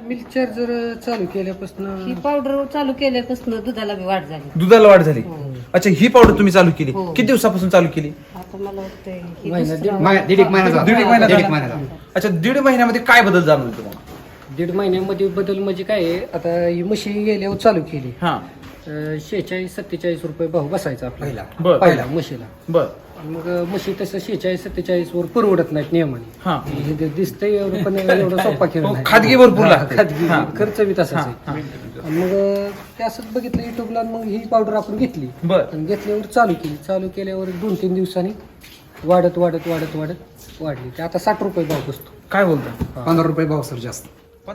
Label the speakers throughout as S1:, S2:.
S1: Milk charger चालू केल्यापासून
S2: ही powder चालू केल्यापासून दुधाला बी वाढ झाली.
S3: दुधाला वाढ झाली. अच्छा, ही पावडर तुम्ही चालू केली
S2: हो.
S3: किती दिवसापासून चालू केली?
S2: आता मला वाटतंय ही
S1: महिना-
S2: दुसरा-
S4: दीड एक महिना झाला.
S3: दीड एक महिना
S4: दीड एक
S3: झाला.
S4: महिना झाला.
S3: अच्छा, दीड महिन्यामध्ये काय बदल जाणवले तुम्हाला?
S1: 1.5 महिन्यामध्ये बदल म्हणजे काय आहे, आता ही म्हशी गेल्यावर चालू केली.
S3: हा
S1: 46-47 रुपये भाव बसायचा आपल्याला
S3: बर.
S1: पहिला म्हशीला.
S3: बर.
S1: मग म्हशी तसं 46-47 वर परवडत नाहीत नियमाने.
S3: हा
S1: हे दिसतंय एवढं पण एवढं सोपा खेळ
S3: हो,
S1: नाही.
S3: खाजगी भरपूर लागते.
S1: खाजगी
S3: हा.
S1: खर्च बी तसाच आहे.
S3: हा.
S1: आणि मग ते असंच बघितलं युट्यूबला, मग ही पावडर आपण घेतली
S3: बर.
S1: आणि घेतल्यावर चालू केली. चालू केल्यावर 2-3 दिवसांनी वाढत वाढत वाढत वाढत वाढली. ते आता 60 रुपये भाव बसतो.
S3: काय बोलता?
S4: 15 रुपये भाव सर जास्त.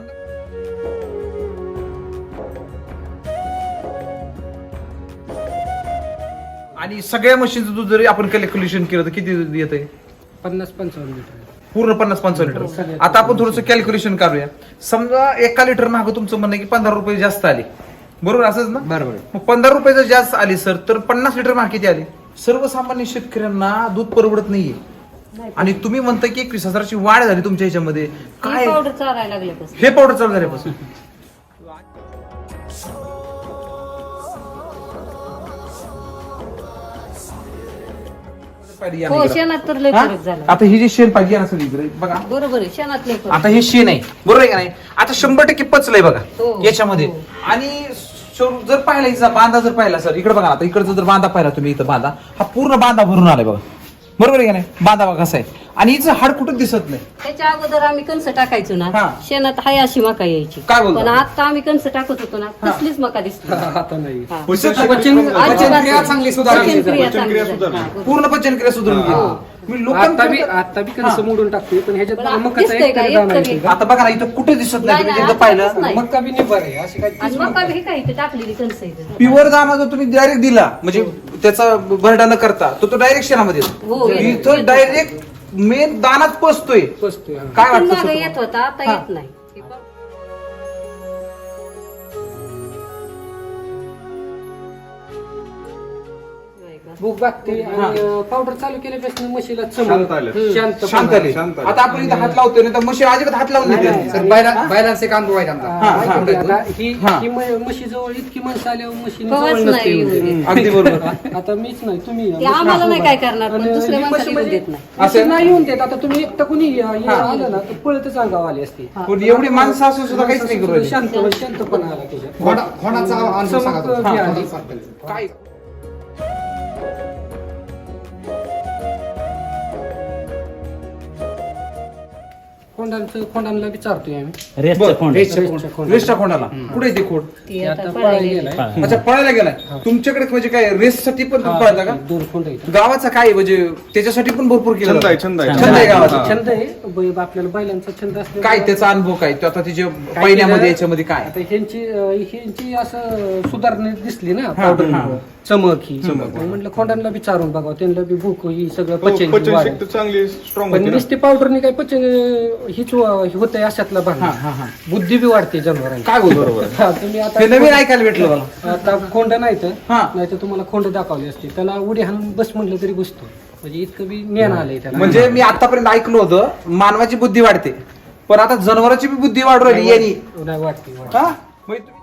S3: आणि सगळ्या मशीनचं दूध जरी आपण कॅल्क्युलेशन केलं तर किती येत आहे?
S1: 50-55 लिटर.
S3: पूर्ण 50-55 लिटर.
S1: सगळ्यात.
S3: आता आपण थोडंसं कॅल्क्युलेशन करूया. समजा 1 लिटर मागं तुमचं म्हणणं आहे की 15 रुपये जास्त आले, बरोबर असंच ना?
S4: बरोबर.
S3: मग 15 रुपये जर जास्त आली सर, तर 50 लिटर मागे किती आले? सर्वसामान्य शेतकऱ्यांना दूध परवडत नाहीये. आणि तुम्ही म्हणता की 21,000ची वाढ झाली तुमच्या ह्याच्यामध्ये.
S2: ही
S3: काय
S2: पावडर चालायला लागल्यापासून
S3: हे पावडर चालू झाल्यापासून?
S2: हो, शेणात तर लय फरक झाला.
S3: आता ही जी शेण पाहिजे ना सगळी इकडे बघा.
S2: बरोबर आहे, शेणात लय फरक.
S3: आता हे शेण आहे, बरोबर आहे का नाही? आता 100% पचलंय बघा
S2: हो.
S3: याच्यामध्ये.
S2: हो.
S3: आणि जर पाहिला हिचा बांधा जर पाहिला सर, इकडे बघा आता, इकडचा जर बांधा पाहिला तुम्ही, इथं बांधा हा पूर्ण बांधा भरून आलाय बघा, बरोबर आहे का नाही? बांधा बघा कसा आहे. आणि हिचं हाड कुठं दिसत नाही.
S2: त्याच्या अगोदर आम्ही कणस टाकायचो ना,
S3: हा.
S2: शेणात हाय अशी मका यायची.
S3: काय बोलता?
S2: पण आता आम्ही कणस टाकत होतो ना, कसलीच मका दिसली.
S1: आता नाही.
S2: हा.
S3: दिसत नाही.
S4: पचनक्रिया चांगली सुधारली.
S2: पचनक्रिया चांगली झाली. हा, बरोबर.
S3: पूर्ण पचनक्रिया सुधारून गेली. मी
S1: आता बी
S3: लोकांना
S1: कणस मोडून टाकतोय, पण ह्याच्यात
S2: पण
S1: मला
S2: आता
S1: मकाचा
S2: दिसतंय
S1: एक
S2: का?
S1: तरी
S2: एक
S1: दाणा
S2: तरी.
S1: येतो.
S3: आता बघा ना, इथं कुठे दिसत नाही.
S2: नाही,
S3: तुम्ही
S2: नाही,
S3: एकदा
S2: आता
S3: पाहिलं
S2: दिसत नाही.
S1: मका बी निभार आहे अशी काय.
S2: आणि मका बी हे काय इथे टाकलेली कणस आहे इथे.
S3: प्युअर दाना जर तुम्ही डायरेक्ट दिला, म्हणजे त्याचा भरडा न करता, तो डायरेक्ट शेणामध्ये येतो.
S2: हो, येतो.
S3: इथं डायरेक्ट मेन दानात पसतोय.
S1: बसतोय, हा.
S3: काय
S2: पण
S3: वाटतं
S2: मागं
S3: सर
S2: येत होता, आता
S3: हा.
S2: येत नाही. हे पाव- नाही का?
S1: भूक लागते आणि पावडर चालू केल्यापासून म्हशीला
S5: शांत आलं.
S3: शांत आले.
S5: शांत आले.
S3: आता आपण इथं हात लावतोय ना, तर म्हशी अजिबात हात लावून
S1: नाही,
S3: नाही
S1: नाही.
S4: सर बैलांचे काम आहे आमचा.
S1: ही
S3: हा.
S1: ही म्हशी जवळ इतकी माणसं आल्यावर म्हशी
S2: कवाच
S1: जवळ नसते
S2: नाही
S1: येऊ
S2: येऊ
S1: देत.
S2: देत.
S3: अगदी बरोबर.
S1: आता मीच नाही, तुम्ही या.
S2: ते आम्हाला नाही काय करणार, पण
S1: आणि
S2: दुसऱ्या
S1: ही
S2: माणसाला
S1: म्हशी
S2: येऊन
S1: म्हणजे
S2: देत नाही.
S1: म्हशी नाही येऊन देत. आता तुम्ही एकटं कुणी आलं ना, तर पळतच अंगावर आली असते.
S3: पण एवढी माणसं असून सुद्धा काहीच नाही करू राहिली.
S1: शांतपणा आला त्याच्यात.
S4: खोडाचा अनुभव सांगा
S1: चमक
S4: तुम्ही.
S1: बी आली.
S3: काय
S1: खोंडांना बी चारतोय आम्ही.
S6: रेसचं खोंड
S1: रेसच्या खोंडाला.
S3: रेस्टा कोणाला कुठे आहे ते खोड?
S2: ती
S1: ते
S2: आता
S1: आता
S2: पळायला
S1: पळायला
S2: गेली.
S1: गेलाय.
S3: अच्छा, पळायला गेलाय तुमच्याकडे. म्हणजे काय रेससाठी पण तुम्ही पळता का?
S1: 2 खोंड आहेत.
S3: गावाचा काय म्हणजे त्याच्यासाठी पण भरपूर केलं
S5: छंद आहे,
S3: जातं.
S5: छंद आहे.
S3: छंद आहे गावाचा.
S1: छंद आहे आपल्याला बैलांचा छंद असल्यामुळे.
S3: काय त्याचा अनुभव काय तो आता तिच्या
S1: काय
S3: पहिल्यामध्ये
S1: केलं?
S3: याच्यामध्ये काय?
S1: आता ह्यांची असं सुधारणा दिसली ना
S3: हा.
S1: पावडर चमक ही मग म्हटलं खोंडांना बी चारून बघावं, त्यांना बी भूक ही सगळं
S5: हो,
S1: पचन
S5: पचन
S1: वाढेल.
S5: शक्ती चांगली स्ट्रॉंग
S1: पण
S5: होती ना.
S1: नुसते पावडरने काय पचन हीच होतंय अशातला भाग
S3: हा,
S1: नाही.
S3: हा, हा.
S1: बुद्धी बी वाढते जनावरांची.
S3: काय बोल बरोबर
S1: हा, तुम्ही
S3: हे
S1: आता
S3: नवीन ऐकायला भेटलं मला.
S1: आता खोंड नाही तर
S3: हा.
S1: नाही तर तुम्हाला खोंड दाखवली असते, त्याला उडी हाणून बस म्हटलं तरी बसतो. म्हणजे इतकं बी ज्ञान आलंय त्याला.
S3: म्हणजे मी आतापर्यंत ऐकलं होतं मानवाची बुद्धी वाढते, पण आता जनावरांची बी बुद्धी वाढू राहिली यांनी.
S1: नाही वाटते.
S3: हा? म्हणजे तुम्ही-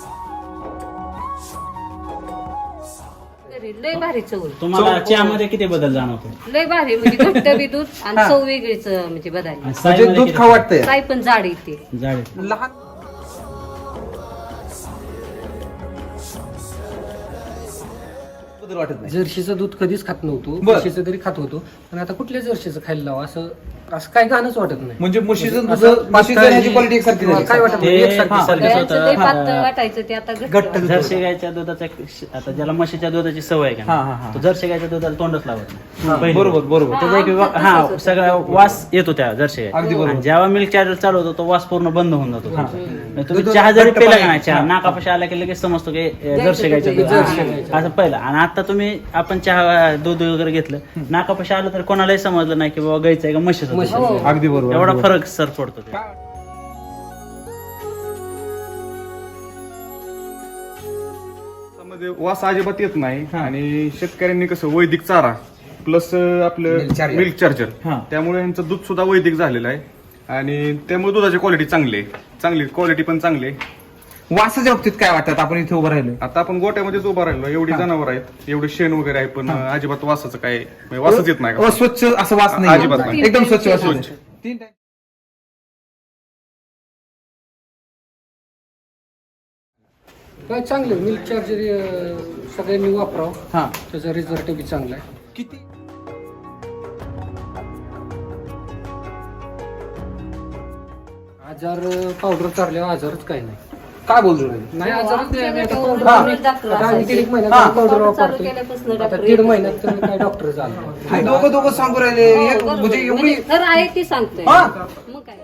S2: लय भारी चव आहे.
S6: तुम्हाला चहामध्ये किती बदल जाणवतो?
S2: लय भारी म्हणजे घट्ट बी दूध आणि चव वेगळीच म्हणजे बदलली.
S6: आणि
S3: म्हणजे
S6: साईमध्ये
S3: दूध
S6: किती
S3: खाऊ वाटतंय.
S2: काय पण जाड येते.
S6: जाड आहे.
S3: लहान बदल वाटत नाही.
S1: जर्शीचं दूध कधीच खात नव्हतो,
S3: बर.
S1: म्हशीचं तरी खात होतो, पण आता कुठल्या जर्शीचं खायला लावा असं असं काय घाणच वाटत नाही.
S3: म्हणजे म्हशीचं दूध
S1: असं
S3: म्हशीचं
S1: पातळ
S3: ह्याची क्वालिटी एकसारखी झाली.
S1: काय वाटत नाही,
S6: ते-
S1: एकसारखी
S6: हा.
S1: सारखी.
S2: गायांचं लय
S6: हा.
S2: पातळ वाटायचं ते आता घट्ट.
S6: जर्सी गायच्या दुधाचा आता ज्याला म्हशीच्या दुधाची सवय आहे
S3: हा, हा,
S6: का
S3: हा.
S6: तो जर्सी गायच्या दुधाला तोंडच लावत नाही पहिली
S3: बरोबर
S6: गोष्ट.
S3: बरोबर.
S6: त्याचा एक
S2: आमच्यात
S6: हा
S2: तसंच होतं.
S6: सगळा वास येतो त्या जर्सी
S3: अगदी
S6: गायचा.
S3: बरोबर.
S6: आणि जेव्हा मिल्क चार्जर चालू होतो तो वास पूर्ण बंद होऊन जातो तुम्ही
S3: दूध
S6: चहा जरी
S3: घट्ट
S6: पिला
S3: पाणी.
S6: का नाही, चहा
S3: हा.
S6: नाकापाशी आला की लगेच समजतो की जर्सी गायचं दूध
S1: जर्सी
S6: आहे.
S1: गायचं.
S6: असं पहिलं. आणि आता तुम्ही आपण चहा दूध वगैरे घेतलं नाकापाशी आलं तर कोणालाही समजलं नाही की बाबा गायचं आहे का म्हशीचं दूध आहे.
S2: हो.
S3: अगदी बरोबर.
S6: एवढा
S3: अगदी
S6: फरक सर पडतो ते.
S5: त्यामध्ये वास अजिबात येत नाही. आणि शेतकऱ्यांनी कसं वैदिक चारा प्लस आपलं
S4: Milk charger.
S5: मिल्क चार्जर,
S3: हा.
S5: त्यामुळे यांचं दूध सुद्धा वैदिक झालेलं आहे. आणि त्यामुळे दुधाची क्वालिटी चांगली आहे, चांगली क्वालिटी पण चांगली आहे.
S3: वासाच्या बाबतीत काय वाटतं आपण इथे उभं राहिलोय?
S5: आता आपण गोट्यामध्येच उभा राहिलो, एवढी जनावर आहेत, एवढे शेण वगैरे आहे, पण अजिबात वासाचं काय म्हणजे वासच येत नाही का?
S3: स्वच्छ असं वास नाही,
S5: अजिबात नाही.
S3: एकदम स्वच्छ वास
S5: स्वच्छ.
S3: येतो. 3 टाइम
S1: काय चांगलं मिल्क चार्जर सगळ्यांनी वापरावं,
S3: हा
S1: त्याचा रिझल्ट बी चांगला आहे.
S3: किती
S1: आजार पावडर चालल्यावर आजारच काही नाही.
S3: काय बोलतो रे?
S1: नाही आजारच नाही. आम्ही आता
S2: हा.
S1: powder आता आम्ही 1.5 महिन्यात
S3: हा.
S1: पावडर
S2: चालू
S1: वापरतो.
S2: केल्यापासून
S1: आता
S2: डॉक्टर
S1: 1.5 महिन्यात तर काय डॉक्टर झाला.
S3: हे दोघं सांगू राहिले
S2: हो,
S3: एक
S2: बरोबर
S3: म्हणजे
S2: आहे.
S3: एवढी
S2: म्हणजे खरं आहे ती सांगतोय.
S3: हा.
S2: मग काय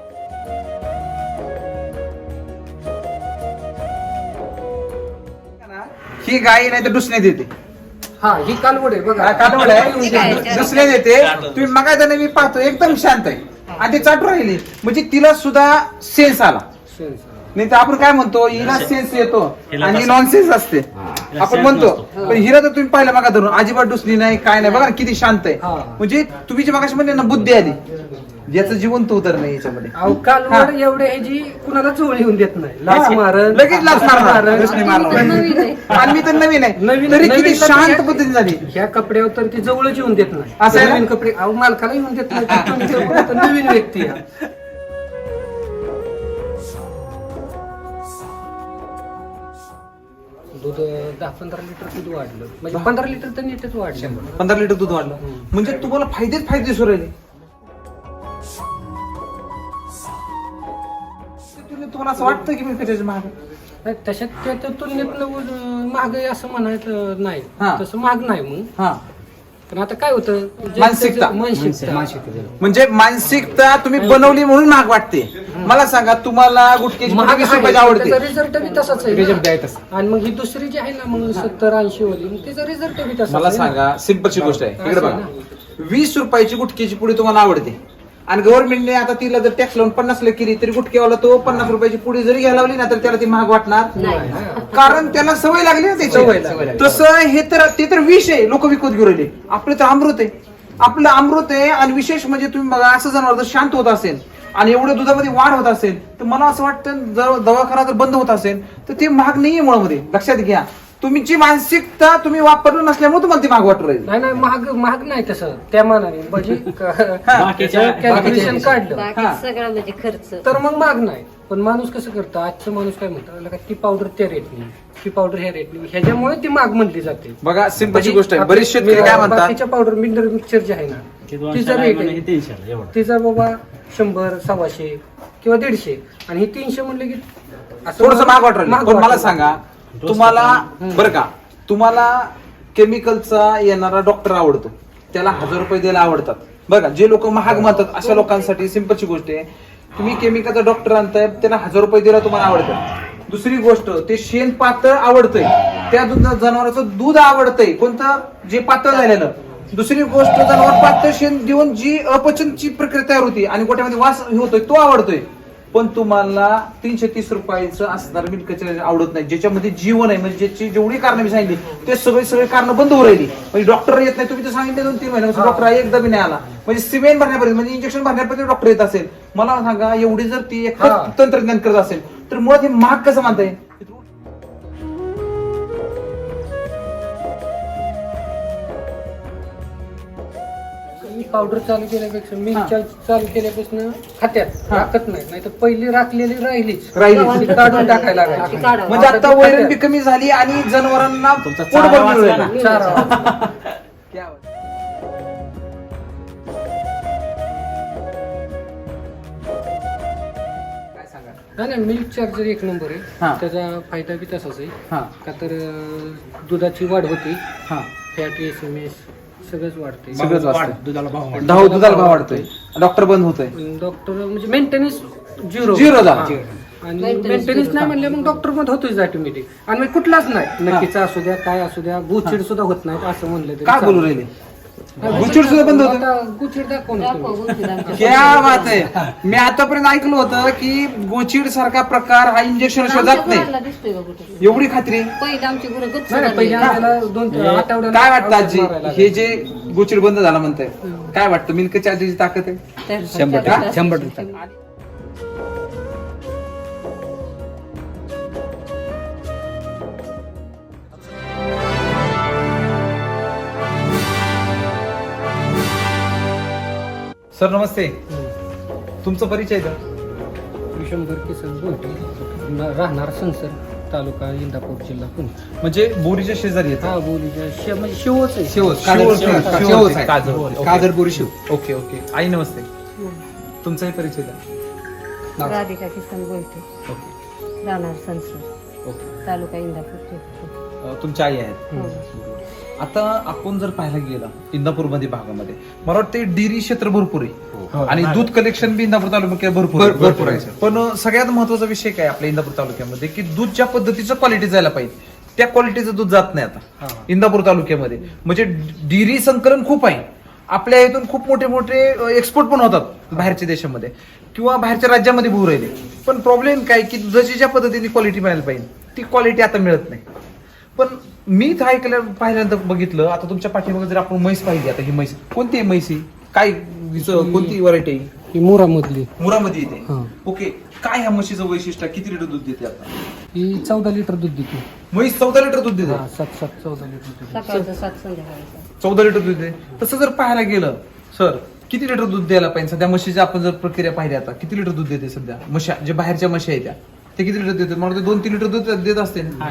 S3: ही गाय नाही तर दुसऱ्या देते.
S1: हा ही कालवड आहे बघा.
S3: कालवड आहे दुसऱ्या देते. तुम्ही मगायचं मी पाहतो एकदम शांत आहे आणि ती चाटू राहिली म्हणजे तिला सुद्धा सेन्स आला. नाही तर आपण काय म्हणतो हिला सेन्स येतो आणि नॉन सेन्स असते आपण म्हणतो, पण हिला तर तुम्ही पाहिलं मागा धरून अजिबात डुसली नाही काय नाही बघा ना, किती शांत आहे. म्हणजे तुम्ही जे मागाशी म्हणले ना बुद्धी आली, याचं जिवंत उतर नाही याच्यामध्ये.
S1: अहो कालवड एवढे आहे जी कुणाला चोळ येऊन देत नाही. लाच मारल
S3: लगेच लाच मारणार, रस्ते मारणार.
S2: नवीन आहे.
S3: आणि मी तर नवीन आहे
S1: नवीन
S3: तरी किती
S1: नवीन तर
S3: शांत
S1: ह्या-
S3: पद्धतीने झाली.
S1: ह्या कपड्यावर तर ती जवळच येऊन देत नाही.
S3: असं आहे ना?
S1: नवीन कपडे अहो मालकाला येऊन देत नाही. तर तुम्ही तर कोणतं नवीन व्यक्ती आहे. दूध 10-15 लिटर दूध वाढलं म्हणजे 15 लिटर तर नीटच वाढलं.
S3: 15 लिटर दूध वाढलं म्हणजे तुम्हाला फायदेच फायदे दिसू राहिले. तुम्हाला असं वाटतं की मी कशाचे महाग
S1: नाही, तशात त्या तुलनेत महाग आहे असं म्हणायचं नाही.
S3: हा.
S1: तसं महाग नाही मग.
S3: हा
S1: पण आता काय होतं
S3: मानसिकता.
S1: मानसिकता
S3: म्हणजे मानसिकता तुम्ही बनवली म्हणून महाग वाटते. मला सांगा तुम्हाला गुटक्याची
S1: महाग
S3: 20 रुपयाची आवडते,
S1: रिझल्ट बी तसाच आहे.
S4: रिझल्ट द्यायचं.
S1: आणि मग ही दुसरी जी आहे ना मग 70-80 वाली मग तिचा रिझल्ट बी तसाच
S3: मला
S1: आहे ना.
S3: सांगा सिंपलची गोष्ट आहे इकडे
S1: असं
S3: बघा.
S1: आहे
S3: 20 रुपयाची गुटक्याची पुडी तुम्हाला आवडते आणि गव्हर्नमेंटने आता तिला जर टॅक्स लावून 50 ला केली तरी गुटक्यावाला तो 50 रुपयाची पुडी जरी घ्यायला लावली ना तर त्याला ती महाग वाटणार
S2: नाही.
S3: कारण त्याला सवय लागली ना
S1: सवय
S3: त्याची.
S1: लागली.
S3: तसं हे तर ते तर विष आहे, लोक विकत घेऊन राहिले. आपलं तर अमृत आहे, आपलं अमृत आहे. आणि विशेष म्हणजे तुम्ही बघा असं जनावर जर शांत होत असेल आणि एवढ्या दुधामध्ये वाढ होत असेल तर मला असं वाटतं जर दवाखाना जर बंद होत असेल तर ते महाग नाहीये मुळामध्ये. लक्षात घ्या तुमची मानसिकता तुम्ही वापरलं नसल्यामुळे तुम्हाला ती महाग वाटू राहील.
S1: नाही नाही महाग नाही तसं त्या मानाने म्हणजे
S6: बाकीच्या-
S1: कॅल्क्युलेशन काढलं
S2: बाकी सगळं म्हणजे खर्च
S1: तर मग महाग नाही. पण माणूस कसं करतो आजचा माणूस काय म्हणतो ती पावडर त्या रेटनी ती पावडर ह्या रेटनी ह्याच्यामुळे ती महाग म्हणली जाते.
S3: बघा सिंपलची गोष्ट आहे. बरेच शेतकरी काय म्हणतात
S1: बाकीच्या पावडर मिनरल मिक्सचर जे आहे ना तिचा रेट आहे
S6: 300 एवढं.
S1: तिचा बाबा 100, 125 किंवा 150 आणि ही 300 म्हणले की असं
S3: थोडस महाग वाटू राहिलं. पण मला
S1: वाटलं.
S3: सांगा तुम्हाला बरं का तुम्हाला केमिकलचा येणारा डॉक्टर आवडतो, त्याला 1000 रुपये द्यायला आवडतात. बघा जे लोक महाग म्हणतात अशा लोकांसाठी सिंपलची गोष्ट आहे, तुम्ही केमिकलचा डॉक्टर आणताय त्याला 1000 रुपये द्यायला तुम्हाला आवडतं. दुसरी गोष्ट ते शेण पातळ आवडतंय, त्या जनावराचं दूध आवडतंय कोणतं जे पातळ झालेलं. दुसरी गोष्ट जनावर पातळ शेण देऊन जी अपचनची प्रक्रिया तयार होती आणि गोट्यामध्ये वास होतोय तो आवडतोय. पण तुम्हाला 330 रुपयाचं असणार मिल्क चार्जर आवडत नाही ज्याच्यामध्ये जीवन आहे. म्हणजे ज्याची जेवढी कारण मी सांगितली ते सगळे कारण बंद होऊ राहिली. म्हणजे डॉक्टर येत नाही. तुम्ही तर सांगितले 2-3 महिन्यापासून डॉक्टर एकदा बी नाही आला. म्हणजे सिमेंट भरण्यापर्यंत म्हणजे इंजेक्शन भरण्यापर्यंत डॉक्टर येत असेल. मला सांगा एवढी जर ती एक तंत्रज्ञान करत असेल तर मुळात हे महाग कसं मानताय?
S1: मी पावडर चालू केल्यापेक्षा मी चालू केल्यापासून खात्यात राखत नाही तर पहिली राखलेली राहिलीच ती काढून टाकायला लागायची.
S2: काढावं.
S3: म्हणजे आता वैरण बी कमी झाली आणि जनावरांना
S6: तुमचा
S3: पोट
S6: चारा
S3: भरून
S6: वाचला
S3: मिळालं.
S6: ना.
S1: चारा.
S3: क्या बात. काय सांगा?
S1: नाही नाही मिल्क चार्जर एक नंबर
S3: हा.
S1: आहे. त्याचा फायदा बी तसाच आहे
S3: हा
S1: का तर दुधाची वाढ होती,
S3: हा
S1: फॅट SMS सगळंच वाढते.
S3: सगळंच वाचतंय.
S6: दुधाला भाव वाढतो.
S3: दुधाला भाव वाढतोय, डॉक्टर बंद होतोय,
S1: डॉक्टर म्हणजे मेंटेनन्स झिरो
S3: Zero झाला.
S1: आणि मेंटेनन्स नाही म्हणले मग डॉक्टर मध्ये होतोच ऑटोमॅटिक. आणि मग कुठलाच नाही नक्कीचा असू द्या काय असू द्या गुचिड सुद्धा होत नाही असं म्हणलं तरी
S3: काय बोलू
S1: चालेल.
S3: राहिले? गुचिड सुद्धा बंद होतं.
S1: आता गुचिड दाखव ना तुम्ही.
S2: दाखव, गुंफी दाखव.
S3: क्या बात आहे. मी आतापर्यंत ऐकलं होतं की गोचिड सारखा प्रकार हा इंजेक्शन
S2: आमच्या
S3: जात नाही.
S2: गुरांना दिसतोय का कुठे?
S3: एवढी खात्री?
S2: पहिलं आमची गुरं गच्च
S1: नाही नाही, पहिले
S2: झाली.
S1: आम्हाला 2 आठवड्याला
S3: काय वाटतं आजी
S1: औषध मारायला
S3: हे जे गोचिड बंद झाला म्हणताय काय वाटतं? मिल्क चार्जरची ताकद आहे?
S2: तर-
S4: 100%.
S3: सर नमस्ते, तुमचा परिचय द्या.
S1: विशंभर किसन बोलतो, राहणार संसर, तालुका इंदापूर, जिल्हा पुणे.
S3: म्हणजे बोरीच्या शेजारी येतात.
S1: हा बोलीच्या म्हणजे शिवच आहे.
S4: शेवच आहे. काजरपुरी शिव.
S3: Okay okay. आई नमस्ते, तुमचाही परिचय द्या.
S2: राधिका किसन बोलते,
S3: ओके
S2: राहणार संसद,
S3: ओके.
S2: तालुका इंदापूर.
S3: तुमच्या आई आहेत. आता आपण जर पाहायला गेला इंदापूरमध्ये भागामध्ये मला वाटतं डेअरी क्षेत्र भरपूर आहे आणि दूध कलेक्शन बी इंदापूर तालुक्यात भरपूर आहे. पण सगळ्यात महत्वाचा विषय काय आपल्या इंदापूर तालुक्यामध्ये की दूध ज्या पद्धतीचं क्वालिटी जायला पाहिजे त्या क्वालिटीचं दूध जात नाही आता इंदापूर तालुक्यामध्ये. म्हणजे डेअरी संकलन खूप आहे. आपल्या इथून खूप मोठे मोठे एक्सपोर्ट पण होतात बाहेरच्या देशामध्ये किंवा बाहेरच्या राज्यामध्ये भरू राहिले. पण प्रॉब्लेम काय की दुधाची ज्या पद्धतीने क्वालिटी मिळायला पाहिजे ती क्वालिटी आता मिळत नाही. पण मी ऐकलं पाहिल्यानंतर बघितलं, आता तुमच्या पाठीमागे जर आपण म्हैस पाहिली, आता ही म्हैस कोणती आहे? म्हैस काय कोणती व्हरायटी आहे?
S1: ही मुरामधली.
S3: मुरामध्ये येते.
S1: हा.
S3: ओके. काय ह्या म्हशीचं वैशिष्ट्य? किती लिटर दूध देते आता?
S1: ही 14 लिटर दूध देते.
S3: म्हैस 14 लिटर दूध देते.
S1: 14 लिटर दूध.
S2: सकाळचं 7 संध्याकाळचं.
S3: 14 लिटर दूध देते. तसं जर पाहायला गेलं सर, किती लिटर दूध द्यायला पाहिजे सध्या म्हशीची आपण जर प्रक्रिया पाहिली आता किती लिटर दूध देते सध्या म्हशा जे बाहेरच्या म्हशी आहेत त्या ते किती लिटर देतात? मला 2-3 लिटर दूध देत असते ना.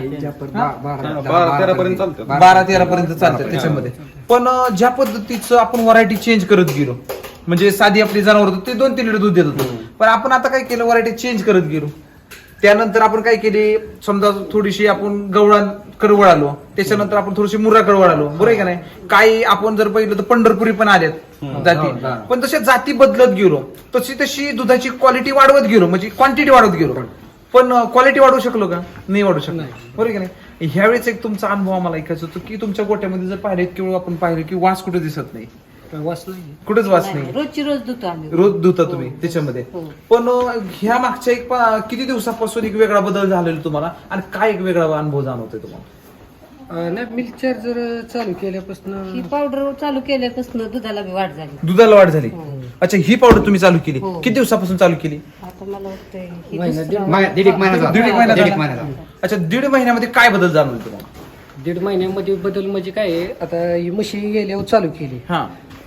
S5: 12-13 पर्यंत चालतं.
S3: 12-13 पर्यंत चालतात त्याच्यामध्ये. पण ज्या पद्धतीचं आपण व्हरायटी चेंज करत गेलो, म्हणजे साधी आपली जनावर होतं ते 2-3 लिटर दूध देत होतो, पण आपण आता काय केलं व्हरायटी चेंज करत गेलो. त्यानंतर आपण काय केले, समजा थोडीशी आपण गवळांकडे वळालो, त्याच्यानंतर आपण थोडीशी मुर्राकडे वळालो, बरोबर आहे का नाही? काही आपण जर पाहिलं तर पंढरपुरी पण आल्यात जाती, पण तशा जाती बदलत गेलो तशी तशी दुधाची क्वालिटी वाढवत गेलो, म्हणजे क्वांटिटी वाढवत गेलो. पण क्वालिटी वाढवू शकलो का? नाही वाढू शकलो, बरोबर आहे का नाही? ह्यावेळेस एक तुमचा अनुभव आम्हाला ऐकायचा होतो की तुमच्या गोट्यामध्ये जर पाहिले किंवा आपण पाहिलं की वास कुठे दिसत नाही,
S1: वास नाही.
S3: कुठेच वास नाही.
S2: रोजची रोज धुतो आम्ही.
S3: रोज धुता तुम्ही त्याच्यामध्ये. पण ह्या मागच्या किती दिवसापासून एक वेगळा बदल झालेला तुम्हाला आणि काय एक वेगळा अनुभव जाणवतोय तुम्हाला?
S1: नाही, मिल्क चार्जर चालू केल्यापासून
S2: ही पावडर चालू केल्यापासून दुधाला बी वाढ झाली.
S3: दुधाला वाढ झाली. अच्छा, ही पावडर तुम्ही चालू केली किती दिवसापासून चालू केली?
S2: आता मला वाटतंय ही
S1: महिना,
S2: दुसरं-
S4: दीड एक महिना झाला.
S3: दीड एक महिना
S4: दीड एक
S3: झाला.
S4: महिना झाला.
S3: अच्छा, 1.5 महिन्यामध्ये काय बदल जाणवले तुम्हाला?
S1: 1.5 महिन्यामध्ये बदल म्हणजे काय आहे, आता ही म्हशी गेल्यावर चालू केली.
S3: हा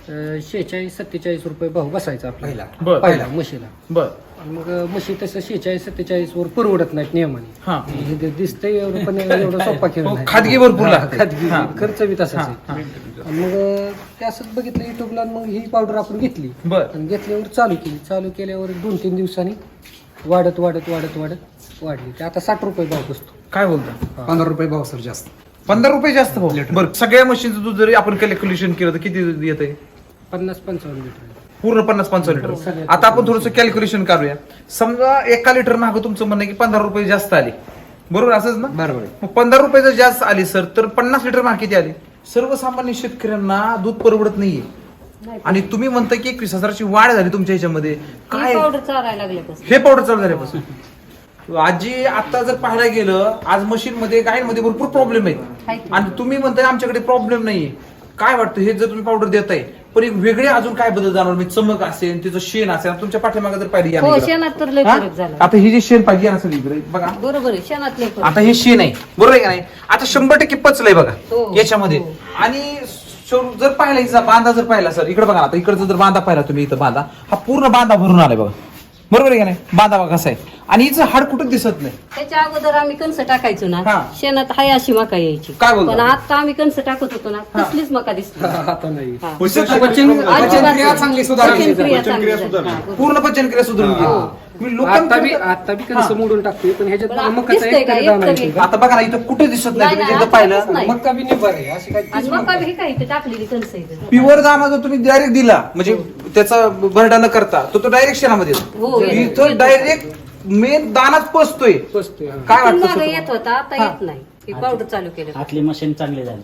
S1: 46-47 रुपये भाव बसायचा आपल्याला
S3: बर.
S1: पहिला म्हशीला.
S3: बर.
S1: आणि मग म्हशी तसं 46-47 वर परवडत नाहीत नियमाने.
S3: हा
S1: हे दिसतंय एवढं, पण एवढं सोपा खेळ
S3: हो,
S1: नाही.
S3: खाजगी भरपूर लागते.
S1: खाजगी
S3: हा.
S1: खर्च बी तसाच
S3: हा,
S1: आहे. आणि मग ते असंच बघितलं युट्यूबला, मग ही पावडर आपण घेतली
S3: बर.
S1: आणि घेतल्यावर चालू केल्यावर 2-3 दिवसांनी वाढत वाढली. ते आता 60 रुपये भाव बसतो.
S3: काय बोलता?
S4: 15 रुपये भाव सर जास्त.
S3: 15 रुपये जास्त हो. बरं, सगळ्या मशीनचं दूध जरी आपण कॅल्क्युलेशन केलं तर किती दूध येतंय?
S1: 50-55 लिटर.
S3: पूर्ण 50-55 लिटर. आता आपण थोडंसं कॅल्क्युलेशन करूया. समजा 1 लिटर मागं तुमचं म्हणणं आहे की 15 रुपये जास्त आले, बरोबर असंच ना?
S4: बरोबर आहे.
S3: मग 15 रुपये जर जास्त आली सर, तर 50 लिटर मागे किती आले? सर्वसामान्य शेतकऱ्यांना दूध परवडत नाहीये.
S2: नाही.
S3: आणि तुम्ही म्हणता की 21,000ची वाढ झाली तुमच्या ह्याच्यामध्ये.
S2: ही
S3: काय
S2: पावडर चालायला लागल्यापासून.
S3: हे पावडर चालू झाल्यापासून आजी आता जर पाहायला गेलं आज मशीन मध्ये गायींमध्ये भरपूर प्रॉब्लेम आहेत
S2: आहेत.
S3: आणि तुम्ही म्हणताय आमच्याकडे प्रॉब्लेम नाहीये. काय वाटतं हे जर तुम्ही पावडर देताय पण एक वेगळे अजून काय बदल जाणवलं? म्हणजे चमक असेल, तिचं शेण असेल, तुमच्या पाठीमागे जर पाहिली
S2: हो, शेणात तर लय फरक झाला.
S3: आता ही जी शेण पाहिजे असेल इकडे बघा,
S2: बरोबर आहे, शेणात लय फरक.
S3: आता हे शेण आहे, बरोबर आहे का नाही? आता 100% पचलंय बघा
S2: हो.
S3: याच्यामध्ये.
S2: हो.
S3: आणि जर पाहिला हिचा बांधा जर पाहिला सर, इकडे बघा, आता इकडचा जर बांधा पाहिला तुम्ही, इथं बांधा हा पूर्ण बांधा भरून आलाय बघा, बरोबर आहे का नाही? बांधा बघा कसा आहे आणि हिचं हाड कुठं दिसत नाही.
S2: त्याच्या अगोदर आम्ही कणसं टाकायचो ना,
S3: हा.
S2: शेणात हाय अशी मका यायची.
S3: काय बोलता?
S2: पण आता आम्ही कणसं टाकत होतो ना, कसलीच मका दिसते.
S1: आता नाही.
S2: हा.
S4: पचनक्रिया चांगली सुधारली.
S2: पचनक्रिया चांगली
S5: सुधारली.
S2: झाली. हा,
S3: पूर्ण पचनक्रिया सुधारून गेली. मी
S1: आता बी
S3: लोकांकडे
S1: कसं मोडून टाकतोय, पण ह्याच्यात
S2: पण आता
S1: मकाचा
S2: दिसतंय
S1: एक
S2: का?
S1: तरी
S2: एक
S1: दाणा
S2: तरी.
S1: येतो.
S3: आता बघा ना, इथं कुठे दिसत नाही.
S2: नाही,
S3: तुम्ही
S2: नाही,
S3: एकदा
S2: आता
S3: पाहिलं
S2: दिसत नाही.
S1: मका बी निभार आहे, अशी काय
S2: आणि मका बी काय इथे टाकलेली कणसं इथं.
S3: प्युअर दाना जर तुम्ही डायरेक्ट दिला म्हणजे त्याचा भरडा न करता तो डायरेक्ट शेणामध्ये
S2: हो,
S3: येतो.
S2: येतो.
S3: इथं डायरेक्ट मेन दानाच पसतोय.
S1: बसतोय. हा.
S3: काय
S2: इथून
S3: वाटतं
S2: मागं
S3: सर
S2: येत होता, आता येत नाही. ही पावडर चालू केलं.
S6: आतली मशीन चांगली झाली.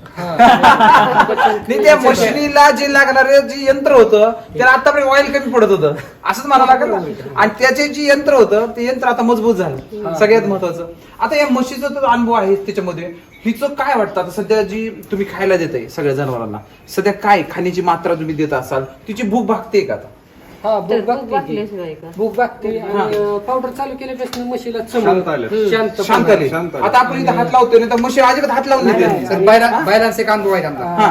S3: नाही, त्या मशिनीला जे लागणारे जे यंत्र होतं त्याला आतापर्यंत ऑइल कमी पडत होतं असंच मला लागत ना. आणि त्याचे जे यंत्र होतं ते यंत्र आता मजबूत झालं. सगळ्यात महत्वाचं आता या म्हशीचा तर अनुभव आहे त्याच्यामध्ये. हिचं काय वाटतं आता सध्या जी तुम्ही खायला देताय सगळ्या जनावरांना, सध्या काय खाण्याची मात्रा तुम्ही देत असाल, तिची भूक भागते का आता?
S1: हा
S2: तर
S1: भूक
S2: भूक
S1: बघते
S2: भागल्याशिवाय का?
S1: भूक बघते आणि पावडर चालू केल्यापासून म्हशीला
S5: शांत आले.
S3: शांत आले.
S5: शांत आले.
S3: आता आपण इथं हात लावतोय ना तर म्हशी अजिबात हात लावून देते
S4: सर बैलांचे काम आहे आमचा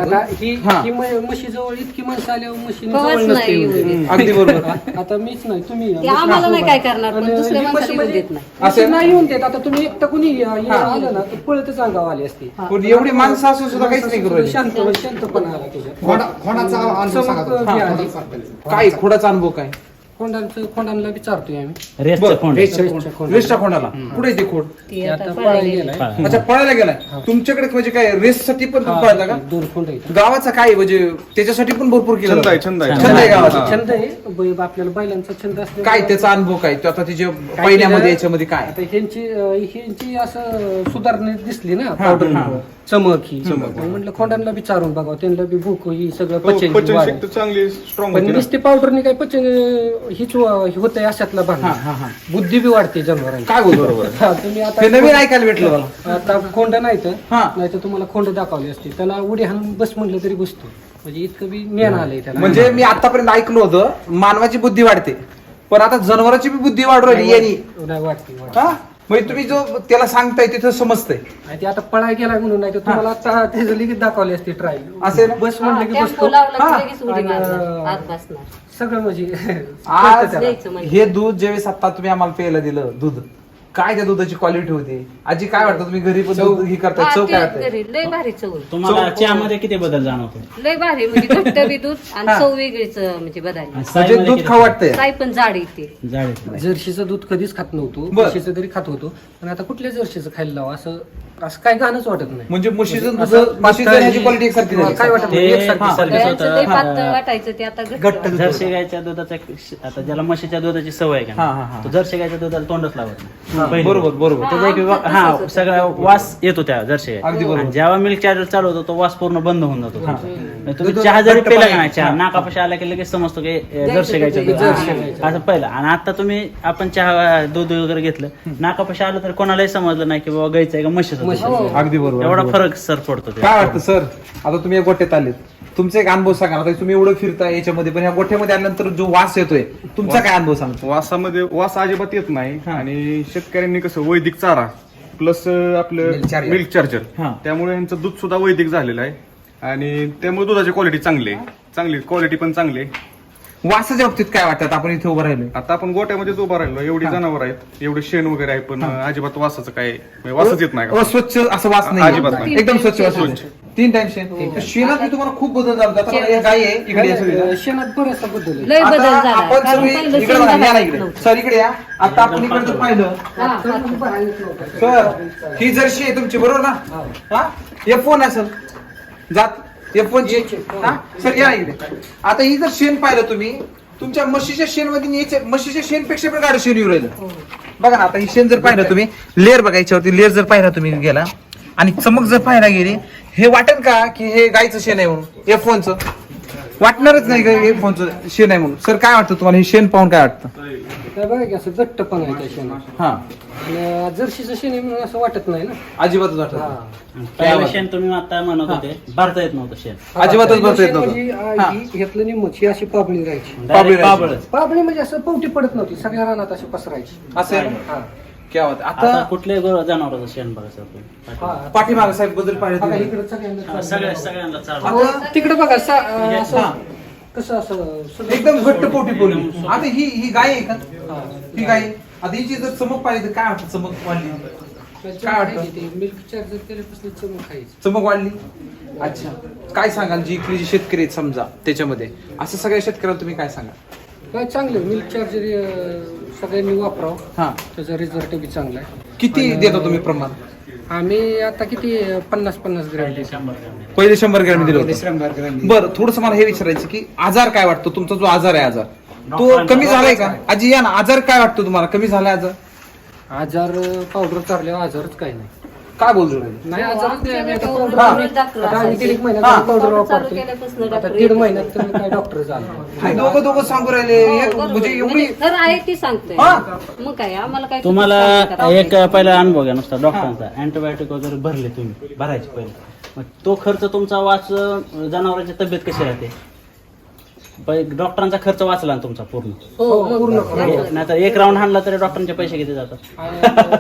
S1: ही म्हशी जवळ इतकी माणसं आल्यावर म्हशीने
S2: कवच
S1: जवळ नसते
S2: नाही
S1: येऊ
S2: येऊ
S1: देत.
S2: देत.
S3: अगदी बरोबर.
S1: आता मीच नाही तुम्ही
S2: ते आम्हाला नाही काय करणार पण दुसऱ्या माणसाला येऊ देत नाही.
S1: म्हशी नाही येऊन देत. आता तुम्ही एकटं कुणी आलं ना तर पळतच अंगावर आली असती.
S3: पण एवढी माणसं असून सुद्धा काहीच नाही करू राहिली.
S1: शांतपणा आला त्याच्यात.
S4: खोडाचा अनुभव सांगा
S1: चमक
S4: तुम्ही.
S1: आली.
S3: काय खोडाचा अनुभव काय
S1: खोंडांना विचारतोय आम्ही.
S6: रेसचं खोंड
S1: रेसच्या खोंड.
S3: रेसच्या खोंडाला कुठे ते खोड
S2: ती
S1: ते
S2: आता
S1: आता
S2: पळायला
S1: पळायला
S2: गेलाय.
S1: गेलाय.
S3: अच्छा पळायला गेलाय तुमच्याकडे म्हणजे काय रेससाठी पण तुम्ही पळता का
S1: 2 खोंड आहेत.
S3: गावाचा काय म्हणजे त्याच्यासाठी पण भरपूर केलं
S5: छंद आहे,
S3: जातं.
S5: छंद आहे.
S3: छंद आहे गावाचा
S1: छंद आहे आपल्याला बैलांचा छंद असल्यामुळे
S3: काय त्याचा अनुभव काय तो आता तिच्या
S1: काय
S3: पहिल्यामध्ये
S1: केलं?
S3: याच्यामध्ये काय
S1: आता ह्यांची असं सुधारणा दिसली ना पावडर चमक ही मग म्हटलं खोंडांना विचारून बघा त्यांना बी भूक ही सगळं पचन
S5: पचन
S1: वाढेल.
S5: शक्ती चांगली स्ट्रॉंग
S1: पण
S5: होती ना.
S1: नुसती पावडरनी काय पचन हीच होतंय अशातला भाग बुद्धी बी वाढते जनावरांची.
S3: काय बोल बरोबर
S1: हा, तुम्ही
S3: ते नवीन
S1: आता
S3: ऐकायला भेटलं मला
S1: आता खोंड नाही तर
S3: हा.
S1: नाही तर तुम्हाला खोंड दाखवली असते त्याला उडी हाणून बस म्हटलं तरी बसतो म्हणजे इतकं बी ज्ञान आलंय त्याला.
S3: म्हणजे मी आतापर्यंत ऐकलं होतं मानवाची बुद्धी वाढते पण आता जनावरांची बी बुद्धी वाढू राहिली यांनी
S1: नाही वाटते
S3: हा म्हणजे तुम्ही जो त्याला सांगताय तिथं समजतंय
S1: आणि ते आता पळाय गेला म्हणून नाही तर तुम्हाला आता त्याचं लगेच दाखवली असते ट्रायल
S3: असे ना?
S1: बस
S2: हा,
S1: म्हणलं की
S2: टेम्पो
S1: बसतो
S2: लावला
S3: हा.
S2: की लगेच उडी
S1: आणि,
S2: मारणार, हात बसणार.
S1: सगळं म्हणजे
S3: आज
S1: कळतं त्याला.
S2: द्यायचं म्हणजे.
S3: हे दूध ज्यावेळेस आता तुम्ही आम्हाला प्यायला दिलं दूध काय त्या दुधाची क्वालिटी होती आजी काय वाटतं तुम्ही घरी पण दूध हे करताय
S2: हा,
S3: चव
S2: ते
S3: काय वाटतंय
S2: घरी लय भारी चव आहे.
S6: तुम्हाला चहामध्ये किती बदल जाणवतो
S2: लय भारी म्हणजे घट्ट बी दूध आणि चव वेगळीच म्हणजे बदलली.
S6: आणि
S3: म्हणजे
S6: साईमध्ये
S3: दूध
S6: किती
S3: खाऊ वाटतंय
S2: साई पण जाड येते.
S6: जाड आहे.
S1: जर्शीचं दूध कधीच खात नव्हतो
S3: बर.
S1: म्हशीचं तरी खात होतो पण आता कुठल्या जर्शीचं खायला लावा असं काय गाणंच वाटत नाही
S3: म्हणजे म्हशीचं दूध
S1: असं
S3: म्हशीचं
S1: पातळ
S3: ह्याची क्वालिटी एकसारखी झाली.
S1: काय वाटत नाही
S6: ते-
S1: एकसारखी
S6: हा.
S1: सारखी.
S2: गायचं लय
S6: हा.
S2: पातळ वाटायचं ते आता घट्ट वाटतं.
S6: जर्सी गायच्या दुधाचा आता ज्याला म्हशीच्या दुधाची सवय आहे
S3: हा, हा,
S6: का
S3: हा.
S6: तो जर्सी गायच्या दुधाला तोंडच लावत नाही पहिली
S3: बरोबर
S6: गोष्ट.
S3: बरोबर
S6: त्याचा एक
S2: आमचं
S6: हा
S2: तसंच होतं.
S6: सगळा वास येतो त्या जर्सी
S3: अगदी
S6: गायचा.
S3: बरोबर.
S6: आणि जेव्हा मिल्क चार्जर चालू होतो तो वास पूर्ण बंद होऊन जातो म्हणजे तुम्ही
S3: दूध
S6: चहा जरी
S3: घट्ट
S6: पिला
S3: पाणी.
S6: का नाही चहा
S3: हा.
S6: नाकापाशी आला की लगेच समजतो की जर्सी गायचं दूध
S1: जर्सी
S6: आहे.
S1: गायचं.
S6: असं पहिलं आणि आता तुम्ही आपण चहा दूध वगैरे घेतलं नाकापाशी आलं तर कोणालाही समजलं नाही की बाबा गायचं आहे का म्हशीचं दूध आहे.
S3: अगदी बरोबर
S6: एवढा
S3: अगदी बरोबर.
S6: फरक सर पडतो ते.
S3: काय वाटतं सर आता तुम्ही या गोठ्यात आलेत तुमचा एक अनुभव सांगा आता तुम्ही एवढं फिरताय याच्यामध्ये पण ह्या गोठ्यामध्ये आल्यानंतर जो वास येतोय तुमचा काय अनुभव सांगतो
S5: वासामध्ये वास अजिबात येत नाही
S3: हा.
S5: आणि शेतकऱ्यांनी कसं वैदिक चारा प्लस आपलं
S4: Milk charger.
S5: मिल्क चार्जर
S3: हा.
S5: त्यामुळे यांचं दूध सुद्धा वैदिक झालेलं आहे आणि त्यामुळे दुधाची क्वालिटी चांगली आहे चांगली क्वालिटी पण चांगली आहे
S3: वासाच्या बाबतीत काय वाटतं आपण इथे उभं राहिलोय
S5: आता आपण गोट्यामध्येच उभा राहिलो एवढी जनावर आहेत एवढे शेण वगैरे आहे पण अजिबात वासाचं काय म्हणजे वासच येत नाही का?
S3: स्वच्छ असं वास
S5: अजिबात
S3: नाही
S5: नाही.
S3: एकदम स्वच्छ वास
S5: स्वच्छ.
S3: 3 टाइम शेण तर शेणात मी तुम्हाला खूप बदल झाला आता मला या गाय आहे इकडे या सगळीला.
S1: शेणात बरंचसा बदल आहे.
S2: लय बदल
S3: आता
S2: झाला
S3: आपण
S2: कारण
S3: सगळे
S2: पहिलं
S3: इकडे
S2: शेण
S3: बघा, या ना
S2: घालायचं
S3: इकडे
S2: नव्हतं.
S3: सर इकडे या आता आपण इकडे जर पाहिलं
S2: हा,
S3: सर ही जर्शी आहे तुमची बरोबर ना हा F1 असेल जात F1 ची हा सर या इकडे आता ही जर शेण पाहिलं तुम्ही तुमच्या म्हशीच्या शेण मध्ये म्हशीच्या शेणपेक्षा पण गाडी शेण येऊ राहिलं बघा ना आता ही शेण जर पाहिलं तुम्ही लेअर बघा याच्यावरती लेअर जर पाहिला तुम्ही गेला आणि चमक जर पाहायला गेली हे वाटेल का की हे गायचं शेण आहे म्हणून F1 वाटणारच नाही का F1 शेण आहे म्हणून सर काय वाटतं तुम्हाला हे शेण पाहून काय वाटतं
S1: काय बघा की असं घट्टपणा आहे त्या शेणात
S3: हा
S1: आणि जर्शीचं शेण आहे म्हणून असं वाटत नाही ना
S3: अजिबातच वाटत
S1: हा.
S3: नाही.
S6: पहिलं शेण तुम्ही आता म्हणत होते भरता येत नव्हतं शेण
S3: अजिबातच भरता येत
S1: शेण
S3: नव्हतं.
S1: म्हणजे,
S3: हा.
S1: घेतलं निम्मच ही अशी पाबळी राहायची
S6: Direct
S3: राहायची.
S6: पाबळच.
S1: पाबळी म्हणजे असं पोवटी पडत नव्हती सगळ्या रानात अशी पसरायची
S3: असं आहे ना?
S1: हा.
S3: क्या बात आहे.
S6: आता
S3: आता
S6: कुठल्याही जनावराचं शेण बघा सर तुम्ही
S1: हा.
S3: पाठीमागे साहेब बद्दल पाहिलं
S1: बघा,
S3: तुम्ही.
S1: इकडं सगळ्यांना
S6: हा, सगळ्यांना चालू
S3: आता
S1: तिकडे बघा असं
S3: हा.
S1: कसं असं सगळं-
S3: एकदम घट्ट पोटी बोलली आता ही गाय आहे का ही गाय आहे. आता हिची जर चमक पाहिली तर काय वाटतं चमक वाढली काय वाटतं?
S1: मिल्क चार्जर केल्यापासून चमक खायची
S3: चमक वाढली अच्छा काय सांगाल जी इथली जी शेतकरी आहेत समजा त्याच्यामध्ये असं सगळ्या शेतकऱ्याला तुम्ही काय सांगाल
S1: काय चांगलं मिल्क चार्जर सगळ्यांनी वापरावं
S3: हा
S1: त्याचा रिझल्ट बी चांगला आहे
S3: किती देता तुम्ही प्रमाण
S1: आम्ही आता किती 50-50 ग्रॅम देतो.
S3: पहिले 100 ग्रॅम दिलं होतं
S4: श्रमदार ग्रामीण.
S3: बरं थोडस मला हे विचारायचं की आजार काय वाटतो तुमचा जो आजार आहे आजार तो कमी झालाय का आजी या ना आजार काय वाटतो तुम्हाला कमी झालाय आजार
S1: आजार पावडर चारल्यावर आजारच काही नाही
S3: काय बोलतो
S1: नाही आजारच नाही आम्ही आता
S2: हा.
S1: powder आता आम्ही दीड
S3: हा.
S1: महिन्यात पावडर
S2: चालू
S1: वापरतो
S2: केल्यापासून
S1: आता
S2: डॉक्टर
S1: 1.5 महिन्यात तर काय डॉक्टर झाला
S3: दोघं सांगू राहिले एक
S2: बरोबर.
S3: म्हणजे एवढी
S2: म्हणजे खरं आहे ती सांगतोय
S3: हा.
S2: मग काय आम्हाला काय
S6: तुम्हाला
S2: सांगतात?
S6: एक पहिला अनुभव घ्या नुसता डॉक्टरांचा अँटीबायोटिक वगैरे भरले तुम्ही भरायचे पहिले मग तो खर्च तुमचा वाच जनावरांची तब्येत कशी राहते डॉक्टरांचा खर्च वाचला ना तुमचा पूर्ण.
S1: हो पूर्ण
S6: नाहीतर एक राऊंड हाणला तरी डॉक्टरांचे पैसे किती जातात.
S1: आणि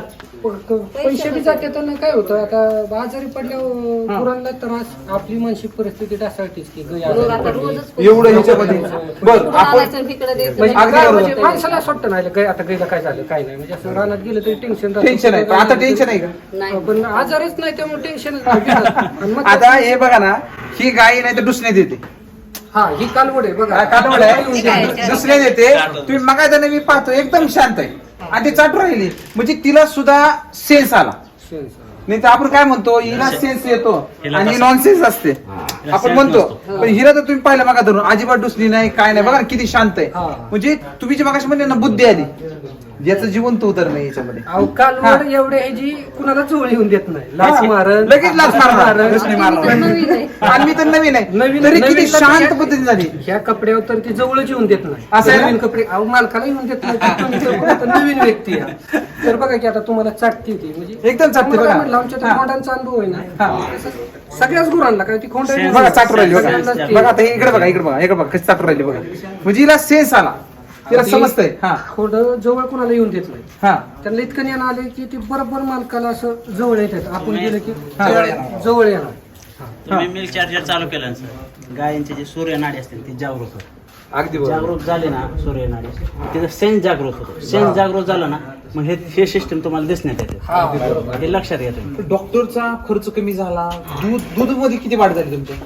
S1: पैसे बी जाते तर काय होतं आता आजारी पडल्यावर गुरांना त्रास आपली मानसिक परिस्थिती ढासळतीच की गाय आजारी
S2: आता
S1: पडली.
S2: रोजच पैसे
S3: एवढं ह्याच्यामध्ये बरं
S2: कुठं
S3: आपण
S2: आणायचं इकडे द्यायचं.
S1: म्हणजे
S3: अगदी
S1: गाय
S3: बरोबर.
S1: म्हणजे माणसाला असं वाटतं नाही गाय आता गायला काय झालं काय नाही म्हणजे असं रानात गेलं तरी टेन्शन
S3: टेन्शन आहे पण आता टेन्शन आहे का
S2: नाही.
S1: पण आजारच नाही त्यामुळे टेन्शनच नाही. मग
S3: आता हे बघा ना ही गाय नाही तर दुसऱ्या देते
S1: हा ही कालवड आहे बघा
S3: कालवड आहे दुसऱ्या देते तुम्ही मगायचा मी पाहतो एकदम शांत आहे आणि ती चाटू राहिली म्हणजे तिला सुद्धा सेन्स आला. नाही तर आपण काय म्हणतो हिला सेन्स येतो आणि नॉन सेन्स असते आपण म्हणतो पण हिला तर तुम्ही पाहिलं मगा धरून अजिबात डुसली नाही काय नाही बघा ना किती शांत आहे म्हणजे तुम्ही जे मगाशी म्हणले ना बुद्धी आली याचं जीवन तो उतर नाही याच्यामध्ये
S1: अहो कालवड एवढे आहे जी कुणाला जवळ येऊन देत नाही लाच मारण
S3: लगेच लाच मारणार दुसरी
S2: तर
S3: मारणार
S2: नवीन आहे.
S3: आणि मी तर नवीन आहे
S1: नवीन
S3: तरी किती
S1: नवीन
S3: शांत
S1: कपडे-
S3: पद्धतीने झाली.
S1: ह्या कपड्यावर तर ती जवळच येऊन देत नाही
S3: असं आहे ना?
S1: नवीन कपडे अहो मालकाला येऊन देत नाही तर तुम्ही तर कोण आता नवीन व्यक्ती आहे तर बघा की आता तुम्हाला चाटती ती म्हणजे
S3: एकदम चाटते
S1: मला
S3: बघा.
S1: म्हटलं, आमच्या त्या खोंडांचा अनुभव आहे ना
S3: हा.
S1: सगळ्याच गुरांना काय ती खोंड आहे.
S3: बघा चाटू राहिली बघा
S1: सगळ्यांनाच ती-
S3: बघा आता इकडे बघा इकडे बघा इकडे बघा कशी चाटू राहिली बघा म्हणजे हिला सेन्स आला तिला समजतंय हा
S1: खोंड जवळ कुणाला येऊन देत नाही
S3: हा
S1: त्यांना इतकं ज्ञान आले की ती बरोबर मालकाला असं जवळ येतात आपण गेलं की
S3: हा.
S1: जवळ येणार
S6: तुम्ही मिल्क चार्जर चालू केलं ना सर गायींचे जे सूर्यनाडी असतील ती जागृत होते.
S3: अगदी बरोबर
S6: जागृत झाली ना सूर्यनाडी तिथं सेन्स जागृत होतो. सेन्स जागृत झालं ना मग हे सिस्टम तुम्हाला दिसण्यात येते हे लक्षात घ्या तुम्ही.
S3: डॉक्टरचा खर्च कमी झाला दूध मध्ये किती वाढ झाली तुमच्या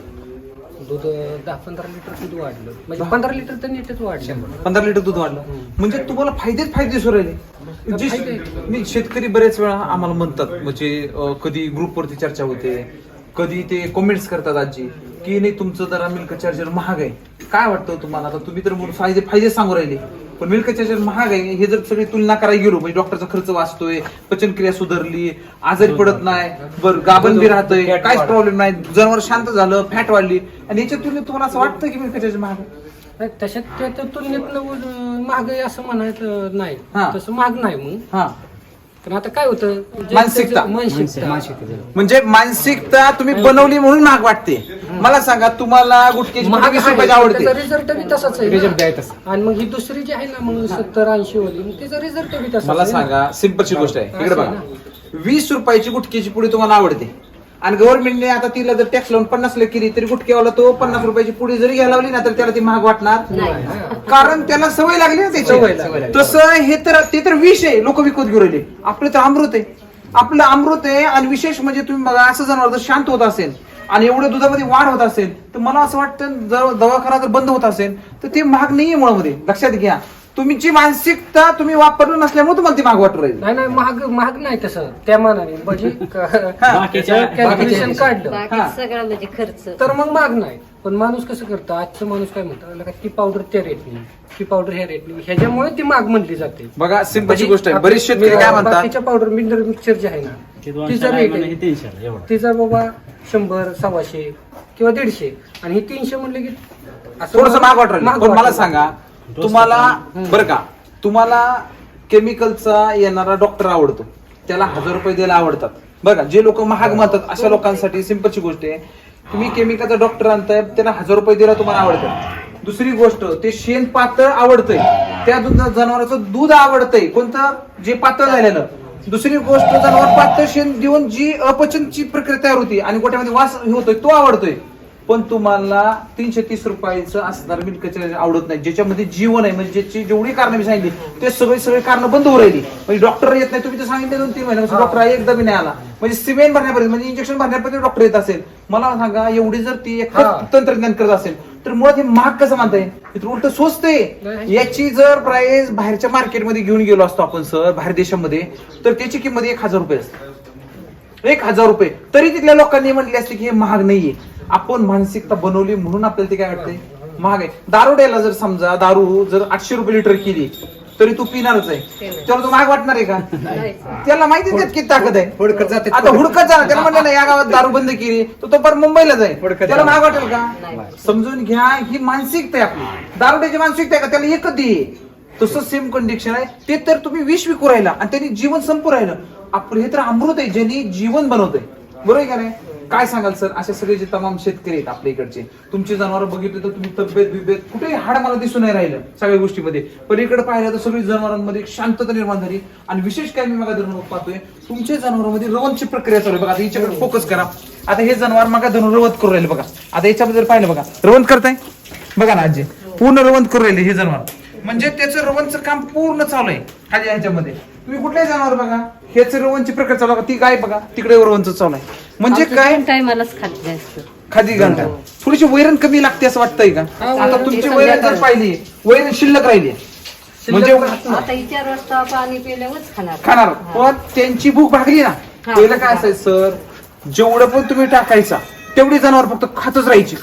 S1: दूध 10-15 लिटर दूध वाढलं म्हणजे 15 लिटर तर नीटच वाढलं
S3: 15 लिटर दूध वाढलं म्हणजे तुम्हाला फायदेच फायदे दिसू राहिले मी शेतकरी बरेच वेळा आम्हाला म्हणतात म्हणजे कधी ग्रुपवरती चर्चा होते कधी ते कमेंट्स करतात आजी की नाही तुमचं जरा मिल्क चार्जर महाग आहे काय वाटतं तुम्हाला आता तुम्ही तर फायदे सांगू राहिले पण मिल्क चार्जर महाग आहे हे जर सगळी तुलना करायला गेलो म्हणजे डॉक्टरचा खर्च वाचतोय पचनक्रिया सुधारली आजारी पडत नाही बरं गाभण बी राहतंय काहीच प्रॉब्लेम नाही जनावर शांत झालं फॅट वाढली आणि याच्या तुलनेत तुम्हाला असं वाटतं की मिल्क चार्जर महाग आहे
S1: नाही, तशात त्या तुलनेत महाग आहे असं म्हणायचं नाही
S3: हा.
S1: तसं महाग नाही मग
S3: हा
S1: पण आता काय होतं
S3: मानसिकता.
S1: मानसिकता
S3: म्हणजे मानसिकता तुम्ही बनवली म्हणून महाग वाटते मला सांगा तुम्हाला गुटख्याची
S1: महाग
S3: 20 रुपयाची आवडते
S1: रिझल्ट बी तसाच आहे
S4: Result
S1: ना.
S4: आहे तसा.
S1: आणि मग ही दुसरी जी आहे ना मग 70-80 वाली मग तिचा रिझल्ट बी तसा
S3: मला सांगा सिंपलची गोष्ट आहे इकडे बघा 20 रुपयाची गुटख्याची पुडी तुम्हाला आवडते आणि गव्हर्नमेंटने आता तिला जर टॅक्स लावून 50 केली तरी गुटख्यावाला तो 50 रुपयाची पुडी जरी घ्यायला लावली ना तर त्याला ती महाग वाटणार कारण त्याला सवय लागली ना
S1: सवय
S3: त्याची
S1: लागली.
S3: तसं हे तर ते तर विष आहे लोक विकत घेऊन राहिले आपलं तर अमृत आहे आपलं अमृत आहे आणि विशेष म्हणजे तुम्ही बघा असं जनावर जर शांत होत असेल आणि एवढ्या दुधामध्ये वाढ होत असेल तर मला असं वाटतं जर दवाखाना जर बंद होत असेल तर ते महाग नाहीये मुळामध्ये लक्षात घ्या तुमची मानसिकता तुम्ही वापरलं नसल्यामुळे तुम्हाला ती महाग वाटू राहील
S1: नाही महाग नाही तसं त्या मानाने म्हणजे
S6: बाकीच्या-
S1: कॅल्क्युलेशन काढलं
S2: बाकी सगळं म्हणजे खर्च
S1: तर मग महाग नाही पण माणूस कसं करतं आजचं माणूस काय म्हणतं ती पावडर त्या रेटनी ती पावडर ह्या रेटनी ह्याच्यामुळे ती महाग म्हणली जाते
S3: बघा सिंपलची गोष्ट आहे बरेच शेतकरी काय म्हणतात
S1: बाकीच्या पावडर मिनरल मिक्सर जे आहे ना
S6: ते
S1: तिचा
S6: 200
S1: रेट
S6: आहे,
S1: आहे
S6: हे 300 आहे, एवढं.
S1: तिचा बाबा 100 100 किंवा 150 आणि हे 300 म्हणले की असं
S3: थोडस महाग वाटू राहिलं
S1: महाग
S3: पण मला
S1: वाटलं.
S3: सांगा तुम्हाला बरं का तुम्हाला केमिकलचा येणारा डॉक्टर आवडतो त्याला 1000 रुपये द्यायला आवडतात बघा जे लोक महाग म्हणतात अशा लोकांसाठी सिंपलची गोष्ट आहे तुम्ही केमिकलचा डॉक्टर आणताय त्याला 1000 रुपये द्यायला तुम्हाला आवडतं दुसरी गोष्ट ते शेण पातळ आवडतंय त्या जनावराचं दूध आवडतंय कोणतं जे पातळ झालेलं दुसरी गोष्ट जनावर पातळ शेण देऊन जी अपचनची प्रक्रिया तयार होती आणि वास होतोय तो आवडतोय पण तुम्हाला 330 रुपयाचं असणार मिल्क चार्जर आवडत नाही ज्याच्यामध्ये जीवन आहे म्हणजे ज्याची जेवढी कारण मी सांगितली ते सगळे कारण बंद होऊ राहिली म्हणजे डॉक्टर येत नाही तुम्ही तर सांगितले 2-3 महिने डॉक्टर एकदा बी नाही आला म्हणजे सिमेंट भरण्यापर्यंत म्हणजे इंजेक्शन भरण्यापर्यंत डॉक्टर येत असेल मला सांगा एवढी जर ती एक तंत्रज्ञान करत असेल तर मुळात हे महाग कसं मानताय उलट स्वस्त आहे याची जर प्राइस बाहेरच्या मार्केटमध्ये घेऊन गेलो असतो आपण सर बाहेर देशामध्ये तर त्याची किंमत 1000 रुपये असते 1000 रुपये तरी तिथल्या लोकांनी म्हटले असते की हे महाग नाहीये आपण मानसिकता बनवली म्हणून आपल्याला ते काय वाटतंय महाग आहे दारुड्याला जर समजा दारू जर 800 रुपये लिटर केली तरी तू पिणारच आहे त्याला तो महाग वाटणार आहे का त्याला माहितीच आहे किती ताकद आहे
S4: हुडकत जाते
S3: आता हुडकत जाणार त्याला म्हणलं ना या गावात दारू बंद केली तर तो परत मुंबईला जाईल त्याला महाग वाटेल का समजून घ्या ही मानसिकता आहे आपली दारुड्याची मानसिकता आहे का त्याला एकच दे तसं सेम कंडिशन आहे ते तर तुम्ही विष विकू राहिला आणि त्यांनी जीवन संपू राहिलं आपलं हे तर अमृत आहे ज्यांनी जीवन बनवतंय बरोबर आहे का नाही काय सांगाल सर असे सगळे जे तमाम शेतकरी आहेत आपल्या इकडचे, तुमची जनावर बघितले तर तुम्ही तब्येत बिब्येत कुठेही हाड मला दिसून नाही राहिलं सगळ्या गोष्टीमध्ये, पण इकडे पाहिलं तर सगळी जनावरांमध्ये एक शांतता निर्माण झाली. आणि विशेष काय मी मगा धरून पाहतोय तुमच्या जनावरांमध्ये रवंतची प्रक्रिया चालू आहे बघा. आता याच्याकडे फोकस करा. आता हे जनावर मगा धरून रवंत करू राहिले बघा. आता याच्याबद्दल पाहिलं बघा, रवंत करताय बघा ना आजी, पूर्ण रवंत करू राहिले हे जनावर, म्हणजे त्याचं रवंतचं काम पूर्ण चालू आहे ह्याच्यामध्ये. तुम्ही कुठल्याही जनावर बघा, ह्याचं रवंतची प्रक्रिया चालू बघा, ती गाय बघा तिकडे रवंत चालू आहे. म्हणजे काय
S2: टायमालाच खात जास्त
S3: खादी घालतात. थोडीशी वैरण कमी लागते असं वाटतंय का? आता तुमची वैरण जर पाहिली, वैरण शिल्लक राहिली म्हणजे
S2: आता 4 वाजता पाणी पिल्यावरच
S3: खाणार, पण त्यांची भूक भागली ना. पहिलं काय असायचं सर, जेवढं पण तुम्ही टाकायचा तेवढी जनावर फक्त खातच राहायची.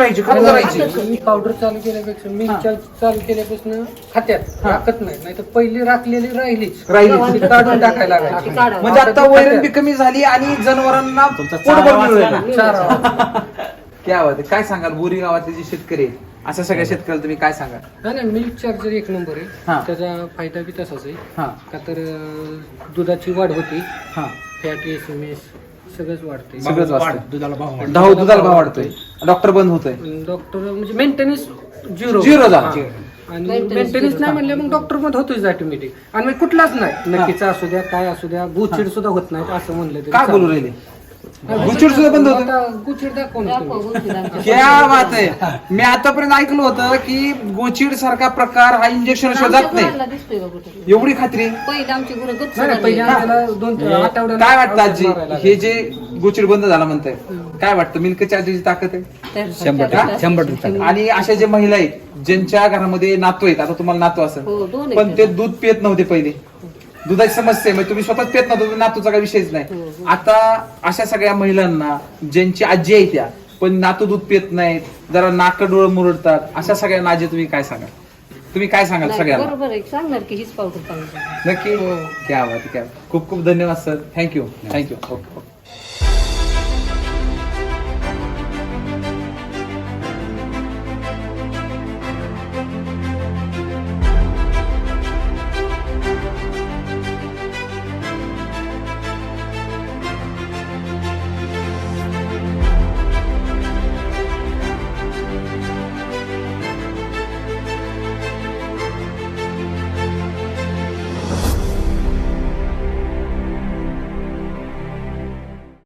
S1: मी पावडर चालू केल्यापेक्षा मी चालू केल्यापासून खात्यात राखत नाही तर पहिली राखलेली राहिलीच ती काढून टाकायला लागायची.
S3: म्हणजे आता वैरण बी कमी झाली आणि जनावरांना पोटभर मिळालं.
S1: चारा
S3: क्या बात आहे. काय सांगाल बोरी गावातले जे शेतकरी आहेत अशा सगळ्या शेतकऱ्याला तुम्ही काय सांगाल?
S1: नाही मिल्क चार्जर एक नंबर
S3: हा.
S1: आहे. त्याचा फायदा बी तसाच आहे.
S3: हा
S1: का तर दुधाची वाढ होती,
S3: हा
S1: फॅट एसएमएस सगळंच वाढते.
S3: सगळंच वाचतं.
S4: दुधाला भाव वाढतो.
S3: दुधाला भाव वाढतोय, डॉक्टर बंद होतोय,
S1: डॉक्टर म्हणजे मेंटेनन्स झिरो
S3: झाला.
S1: आणि मेंटेनन्स नाही म्हणले मग डॉक्टर मध्ये होतोच ऑटोमॅटिक. आणि मग कुठलाच नाही, नक्कीचा असू द्या काय असू द्या, गुचिड सुद्धा होत नाही असं म्हणलं तरी
S3: काय बोलू राहिले? गुचिड सुद्धा बंद होतं.
S1: आता गुचिड दाखवून तुम्ही.
S3: क्या बात आहे. मी आतापर्यंत ऐकलं होतं की गोचिड सारखा प्रकार हा इंजेक्शन जात नाही,
S2: दिसतोय का कुठे?
S3: एवढी खात्री.
S2: पहिले आमची गुरं गच्च
S1: नाही, पहिले
S2: झालेली.
S1: आम्हाला 2 आठवड्याला
S3: काय वाटतं आजी,
S1: औषध मारायला
S3: हे जे गोचिड बंद झाला म्हणताय, काय वाटतं मिल्क चार्जरची ताकद आहे?
S2: तर
S4: 100%.
S3: आणि अशा जे महिला आहेत ज्यांच्या घरामध्ये नातू आहेत, आता तुम्हाला नातू
S2: हो,
S3: असेल
S2: 2 आहेत.
S3: पण ते दूध पित नव्हते पहिले, दुधाची समस्या आहे, म्हणजे तुम्ही स्वतःच पित नव्हतं, नातूचा काही विषयच नाही. आता अशा सगळ्या महिलांना ज्यांची आजी आहे त्या पण नातू दूध पित नाहीत, जरा नाक डोळं मुरडतात, अशा सगळ्यांना आजी तुम्ही काय सांगाल? तुम्ही काय सांगाल
S2: नाही,
S3: सगळ्यांना?
S2: बरोबर आहे, सांगणार की हीच पावडर चांगली.
S3: नक्की. क्या बात आहे, क्या बात. खूप खूप धन्यवाद सर. थँक्यू. ओके.